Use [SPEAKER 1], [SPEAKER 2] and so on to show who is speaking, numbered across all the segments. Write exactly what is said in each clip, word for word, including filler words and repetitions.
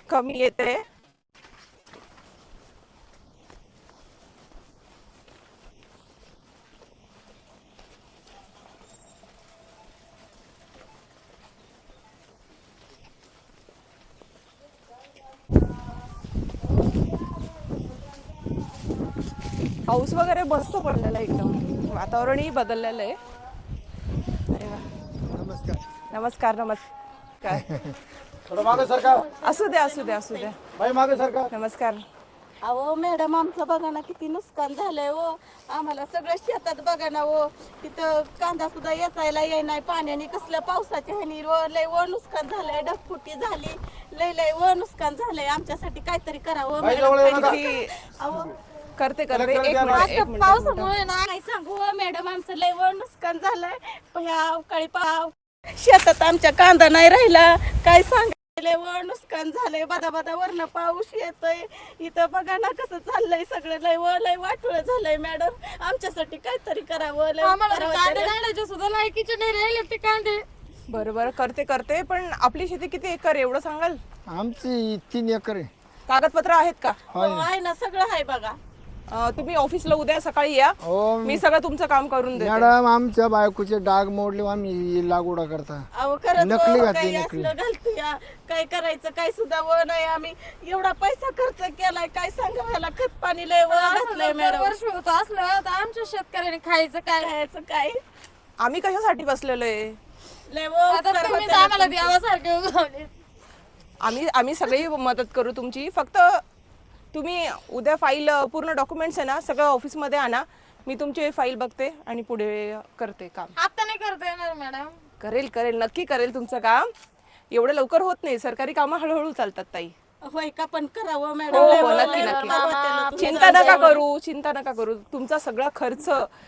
[SPEAKER 1] कमी येते. पाऊस वगैरे मस्त पडलेला आहे, एकदम वातावरणही बदललेलं आहे. अरे वा.
[SPEAKER 2] नमस्कार.
[SPEAKER 1] नमस्कार नमस्कार.
[SPEAKER 2] थोडं मागे सरकार.
[SPEAKER 1] असू द्या असू द्या असू द्या.
[SPEAKER 2] बाई मागे सरकार.
[SPEAKER 1] नमस्कार.
[SPEAKER 3] अहो मॅडम, आमचं बघा ना किती नुकसान झालंय हो. आम्हाला सगळं शेतात बघा ना हो, तिथं कांदा सुद्धा येचायला येई नाही पाण्याने, कसल्या पावसाच्या ह्यानी व लय व नुकसान झालंय, ढगफुटी झाली, लय लय व नुकसान झालंय. आमच्यासाठी काहीतरी करावं
[SPEAKER 2] बाई जवळ येऊ
[SPEAKER 3] मॅडम.
[SPEAKER 2] नका.
[SPEAKER 1] की
[SPEAKER 3] अहो
[SPEAKER 1] करते करते
[SPEAKER 2] कलेक्टर
[SPEAKER 1] एक
[SPEAKER 2] द्या
[SPEAKER 1] मिनिट
[SPEAKER 2] मला.
[SPEAKER 1] एक
[SPEAKER 3] आता
[SPEAKER 1] मिनिट, एक मिनिट.
[SPEAKER 3] पावसामुळे ना काय सांगू हो मॅडम, आमचं लय व नुकसान झालंय. ह्या अवकाळी पाव शेतात आमच्या कांदा नाही राहिला, काय सांग लय व नुकसान झालंय. बदा बदा वरनं पाऊस येतोय, इथं बघा ना कसं चाललंय सगळं. लय व लय वाटुळ झालंय मॅडम, आमच्यासाठी काहीतरी करावं. लय करावं
[SPEAKER 4] कांदे
[SPEAKER 3] तरी.
[SPEAKER 4] काढायचे सुद्धा लायकीचे नाही राहिले ते कांदे.
[SPEAKER 1] बरं बरं करते करते. पण आपली शेती किती एकर आहे एवढं सांगाल?
[SPEAKER 2] आमची तीन एकर आहे.
[SPEAKER 1] कागदपत्र आहेत का?
[SPEAKER 3] हो, आहे ना, सगळं आहे बघा.
[SPEAKER 1] अं, तुम्ही ऑफिसला उद्या सकाळी या,
[SPEAKER 2] हो
[SPEAKER 1] मी सगळं तुमचं काम करून देते.
[SPEAKER 2] मॅडम, आमच्या बायकोचे डाग मोडले, आम्ही लागवडा करता.
[SPEAKER 3] अहो खरंच
[SPEAKER 2] नकली
[SPEAKER 3] हो,
[SPEAKER 2] घातली,
[SPEAKER 3] काही
[SPEAKER 2] नकली.
[SPEAKER 3] असलं घालतो या, काय करायचं काय सुद्धा व नाही. आम्ही एवढा पैसा खर्च केलाय, काय सांगा ह्याला खत पाणी लय व घातलंय मॅडम.
[SPEAKER 4] वर्ष होत असलं तर आमच्या शेतकऱ्याने खायचं काय?
[SPEAKER 3] खायचं काय
[SPEAKER 1] आम्ही कशासाठी बसलेलो आहे?
[SPEAKER 3] लय व
[SPEAKER 4] आता
[SPEAKER 3] करावं
[SPEAKER 4] तुम्हीच
[SPEAKER 3] त्याला
[SPEAKER 4] आम्हाला
[SPEAKER 3] तुमचं.
[SPEAKER 4] देवासारखे उगवले.
[SPEAKER 1] आम्ही आम्ही सगळी मदत करू तुमची. फक्त तुम्ही उद्या फाईल पूर्ण डॉक्युमेंट्स आहे ना सगळं ऑफिसमध्ये आणा. मी तुमची फाईल बघते आणि पुढे करते काम.
[SPEAKER 4] आता नाही करता येणार मॅडम.
[SPEAKER 1] करेल करेल नक्की करेल तुमचं काम. एवढं लवकर होत नाही, सरकारी कामं हळूहळू चालतात ताई.
[SPEAKER 3] होय का, पण करावं मॅडम.
[SPEAKER 1] हो
[SPEAKER 3] लय
[SPEAKER 1] हो
[SPEAKER 3] व
[SPEAKER 1] नक्की
[SPEAKER 3] लय
[SPEAKER 1] नक्की.
[SPEAKER 3] करावं त्याला तुमचं.
[SPEAKER 1] चिंता नका करू चिंता नका करू. तुमचा सगळा खर्च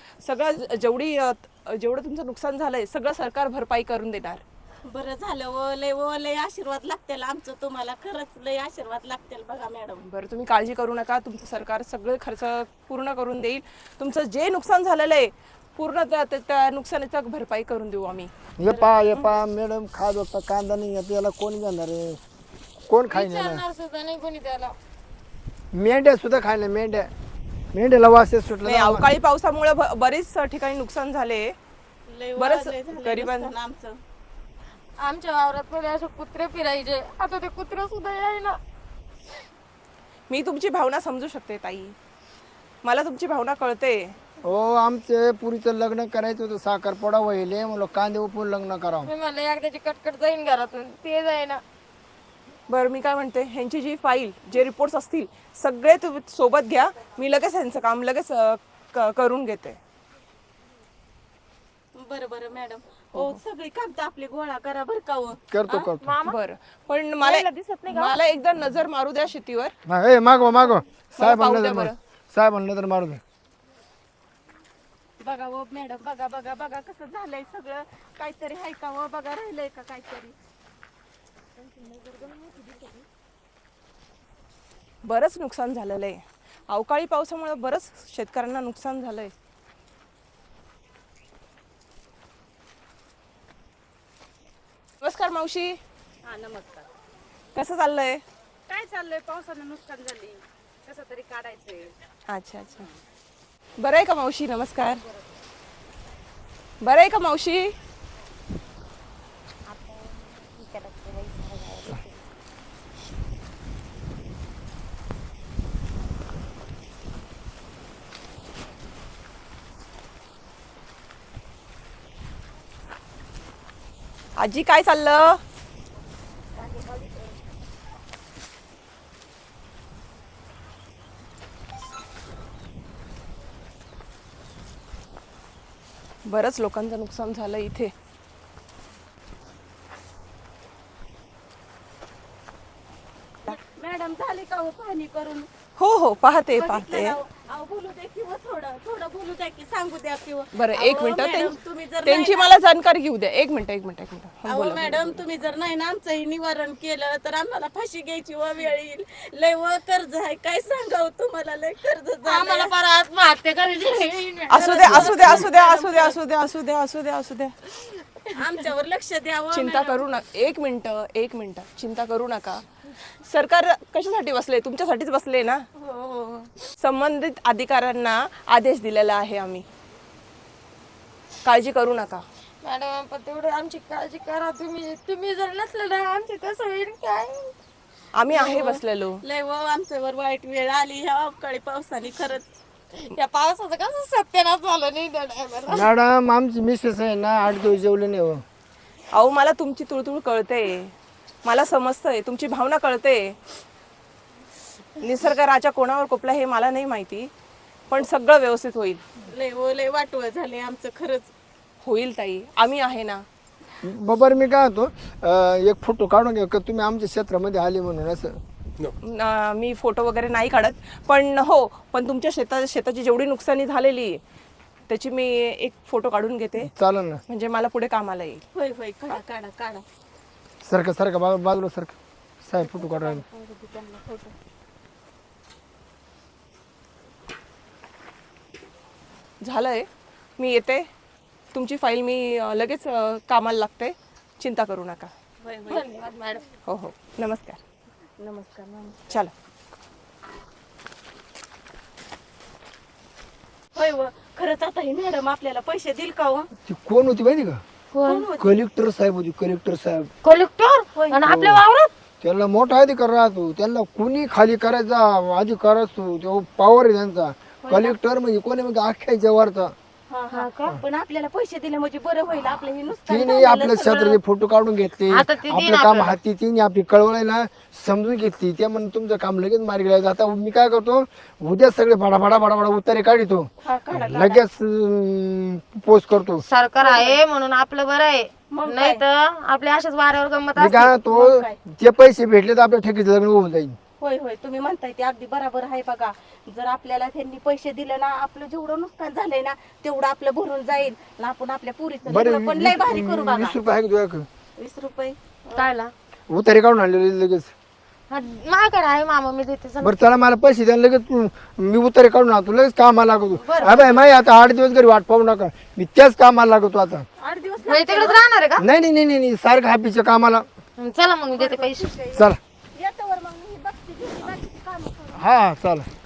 [SPEAKER 1] सगळं जेवढी अ, जेवढं तुमचं नुकसान झालंय सगळं सरकार भरपाई करून देणार.
[SPEAKER 3] बरं झालं व लय व लय आशीर्वाद लागतील आमचं तुम्हाला, खरंच लय आशीर्वाद लागतील बघा मॅडम.
[SPEAKER 1] बरं तुम्ही काळजी करू नका. तुमचं सरकार सगळे खर्च पूर्ण करून देईल. तुमचं जे नुकसान झालेलं आहे पूर्ण त्या त्या- त्या नुकसानीचा भरपाई करून देऊ आम्ही.
[SPEAKER 2] ये पा ये पा मॅडम, खा बघता कांदा नाही येत, याला कोण घेणार आहे? कोण खाईन याला?
[SPEAKER 4] विचारणार सुद्धा नाही कोणी त्याला.
[SPEAKER 2] मेंढ्या सुद्धा खायला, मेंढ्या मेंढ्याला वास येत सुटला
[SPEAKER 1] नाही,
[SPEAKER 2] ना.
[SPEAKER 1] अवकाळी पावसामुळे ब- बरेच ठिकाणी नुकसान झाले.
[SPEAKER 3] लय व
[SPEAKER 1] बरंच
[SPEAKER 3] लय झालंय
[SPEAKER 1] गरिबां-
[SPEAKER 3] नुकसान आमचं.
[SPEAKER 4] आमच्या वावरात पहिले असे कुत्रे फिरायचे, आता ते कुत्रे सुद्धा यायला.
[SPEAKER 1] मी तुमची भावना समजू शकते ताई, मला तुमची भावना कळते.
[SPEAKER 2] हो, आमचे पुरीचं लग्न करायचं होतं, साखरपुडा व्हायले, म्हणलं कांदे उपवून लग्न करावं.
[SPEAKER 4] मी म्हणलं एकदाची कटकट जाईन घरातून, ते जाईना.
[SPEAKER 1] बरं मी काय म्हणते, ह्यांची जी फाईल जे रिपोर्ट्स असतील सगळे तुम्ही सोबत घ्या. मी लगेच ह्यांचं काम लगेच अं, क- करून घेते.
[SPEAKER 3] बरं बरं मॅडम. हो, सगळी कागद आपली गोळा करा बरं का हो.
[SPEAKER 2] करतो करतो.
[SPEAKER 1] बरं पण मला मला एकदा नजर मारू द्या शेतीवर.
[SPEAKER 2] हा, ए मागव मागव साहेब
[SPEAKER 1] पाहू
[SPEAKER 2] म्हणलं
[SPEAKER 1] द्या
[SPEAKER 2] तर
[SPEAKER 1] बरं.
[SPEAKER 2] मार- साहेब म्हणलं तर मारू दे.
[SPEAKER 3] बघा व मॅडम, बघा बघा बघा कसं झालंय सगळं. काहीतरी हाय का व बघा, राहिलंय का काहीतरी?
[SPEAKER 1] बरंच नुकसान झालेलं आहे. अवकाळी पावसामुळे बरंच शेतकऱ्यांना नुकसान झालंय. नमस्कार मावशी,
[SPEAKER 5] हा नमस्कार.
[SPEAKER 1] कसं चाललंय?
[SPEAKER 5] काय चाललंय? पावसानं नुकसान झाली, कसं तरी काढायचंय.
[SPEAKER 1] अच्छा अच्छा. बरं आहे का मावशी? नमस्कार. बरं आहे का मावशी? आजी काय चाललं? बरंच लोकांचं नुकसान झालं इथे.
[SPEAKER 3] मॅडम झाली का हो पाहणी करून?
[SPEAKER 1] हो हो पाहते
[SPEAKER 3] बघितलं
[SPEAKER 1] पाहते.
[SPEAKER 3] ना हो? अहो, बोलू द्या किंवा थोडं थोडं बोलू द्या की सांगू द्या किंवा.
[SPEAKER 1] बरं एक
[SPEAKER 3] अहो,
[SPEAKER 1] मिनिट
[SPEAKER 3] मॅडम, तुम्ही जर
[SPEAKER 1] त्यांची
[SPEAKER 3] नाही
[SPEAKER 1] मला जाणकारी घेऊ द्या. एक मिनिट एक मिनिट एक मिनिट हा,
[SPEAKER 3] अहो
[SPEAKER 1] बोला.
[SPEAKER 3] मॅडम, तुम्ही जर नाही ना आमचंही निवारण केलं तर आम्हाला फाशी घ्यायची व वेळ येईल. लय व कर्ज आहे, काय सांगावं तुम्हाला, लय कर्ज
[SPEAKER 4] आम्हाला
[SPEAKER 3] झालं.
[SPEAKER 4] फार आत्महत्या करायची.
[SPEAKER 1] असू द्या असू द्या असू द्या असू द्या असू द्या असू द्या असू द्या असू द्या.
[SPEAKER 3] आमच्यावर लक्ष द्यावं
[SPEAKER 1] चिंता
[SPEAKER 3] मॅडम.
[SPEAKER 1] करू नका. एक मिनिट एक मिनिट चिंता करू नका. सरकार कशासाठी बसले? तुमच्यासाठीच बसले ना.
[SPEAKER 3] हो
[SPEAKER 1] संबंधित अधिकाऱ्यांना आदेश दिलेला आहे आम्ही. काळजी करू नका.
[SPEAKER 4] मॅडम पण तेवढे आमची काळजी करा तुम्ही. तुम्ही जर नसले ना आमची कसं होईल काय?
[SPEAKER 1] आम्ही आहे बसलेलो.
[SPEAKER 3] लय व आमच्यावर वाईट वेळ आली ह्या अवकाळी पावसाने खरंच.
[SPEAKER 4] या पावसाचं कसं सत्यानाश झालं नाही त्या टायमाला.
[SPEAKER 2] मॅडम आमची मिसेस आहे ना आठ दिवस जेवले नाही हो.
[SPEAKER 1] अहो मला तुमची तुळतुळ कळते, मला समजतंय, तुमची भावना कळते. निसर्ग राजा कोणावर कोपला हे मला नाही माहिती, पण सगळं व्यवस्थित होईल.
[SPEAKER 3] लय व लय वाटवं झाले आमचं खरंच.
[SPEAKER 1] होईल ताई, आम्ही आहे ना.
[SPEAKER 2] बरोबर मी काय होतो अं, एक फोटो काढून घ्या का तुम्ही आमच्या क्षेत्रामध्ये आले म्हणून असं.
[SPEAKER 1] न- मी फोटो वगैरे नाही काढत, पण हो पण तुमच्या शेता शेताची जेवढी नुकसानी झालेली आहे त्याची मी एक फोटो काढून घेते,
[SPEAKER 2] चालेल ना.
[SPEAKER 1] म्हणजे मला पुढे कामाला येईल.
[SPEAKER 3] होय होय काढा काढा काढा.
[SPEAKER 2] सारखं सारखं बा बाजूला सारखं साहेब फोटो काढा.
[SPEAKER 1] झालंय, मी येते. तुमची फाईल मी अ, लगेच अ, कामाला लागते. चिंता करू नका.
[SPEAKER 3] होय होय
[SPEAKER 4] धन्यवाद मॅडम.
[SPEAKER 1] हो हो, नमस्कार.
[SPEAKER 3] नमस्कार नमस्कार.
[SPEAKER 1] चला.
[SPEAKER 3] होय व खरंच आता ही मॅडम आपल्याला पैसे दिल का हो?
[SPEAKER 2] ती कोण होती माहिती का?
[SPEAKER 3] कोण होती?
[SPEAKER 2] कलेक्टर साहेब होती. कलेक्टर साहेब
[SPEAKER 4] कलेक्टर आणि आपल्या वावरात
[SPEAKER 2] त्यांना मोठा अधिकार राहतो. त्यांना कुणी खाली करायचा अधिकार असतो. तो पॉवर आहे त्यांचा. कलेक्टर म्हणजे कोणी म्हणजे अख्ख्या जवारचा.
[SPEAKER 3] हा हा का? पण आपल्याला पैसे दिले म्हणजे बरं होईल. आपलं हे नुसतं
[SPEAKER 2] तिने आपल्या क्षेत्राचे फोटो काढून घेतले.
[SPEAKER 4] आता ती देईन
[SPEAKER 2] आपलं काम हाती तिने आपली कळवळायला समजून घेतली. त्या म्हणून तुमचं काम लगेच मार्गी लागलं. आता मी काय करतो उद्या सगळे फडाफडा फडाफडा उतारे काढतो.
[SPEAKER 3] हा काढा.
[SPEAKER 2] लगेच पोस्ट करतो.
[SPEAKER 4] सरकार आहे म्हणून आपलं बरं आहे, नाही तर आपल्या अशाच वाऱ्यावर गंमत
[SPEAKER 2] मी
[SPEAKER 4] असते.
[SPEAKER 2] काय तो ते पैसे भेटले तर आपल्या ठेकीचं लग्न होऊन जाईल.
[SPEAKER 3] होय होय तुम्ही म्हणताय ते अगदी बरोबर आहे. बघा जर आपल्याला त्यांनी पैसे दिले ना आपलं जेवढं नुकसान झालंय ना तेवढं आपलं भरून जाईल ना. आपण आपल्या पुरीचं
[SPEAKER 2] बरं
[SPEAKER 3] लग्न पण लय भारी करू बघा.
[SPEAKER 2] वीस रुपये आहे का तुझ्याकडे?
[SPEAKER 3] वीस रुपये
[SPEAKER 4] कायला
[SPEAKER 2] उतारे काढून आणलेले लगेच.
[SPEAKER 4] हा, माझ्याकडे आहे मामा, मी देते चला.
[SPEAKER 2] बरं चला मला पैसे द्या लगेच. तू मी उतारे काढून आणतो लगेच कामाला लागतो. अबे माही आता आठ दिवस घरी वाट पाहू नका. मी त्याच कामाला लागतो आता.
[SPEAKER 3] आठ दिवस
[SPEAKER 4] म्हणजे तिकडेच राहणार आहे का?
[SPEAKER 2] नाही नाही नाही नाही सारखं हॅपीच्या कामाला.
[SPEAKER 4] चला मग मी देते पैसे.
[SPEAKER 2] चला
[SPEAKER 3] येतो वर मग मी बघते किती बाकीची कामं करू.
[SPEAKER 2] हा चला.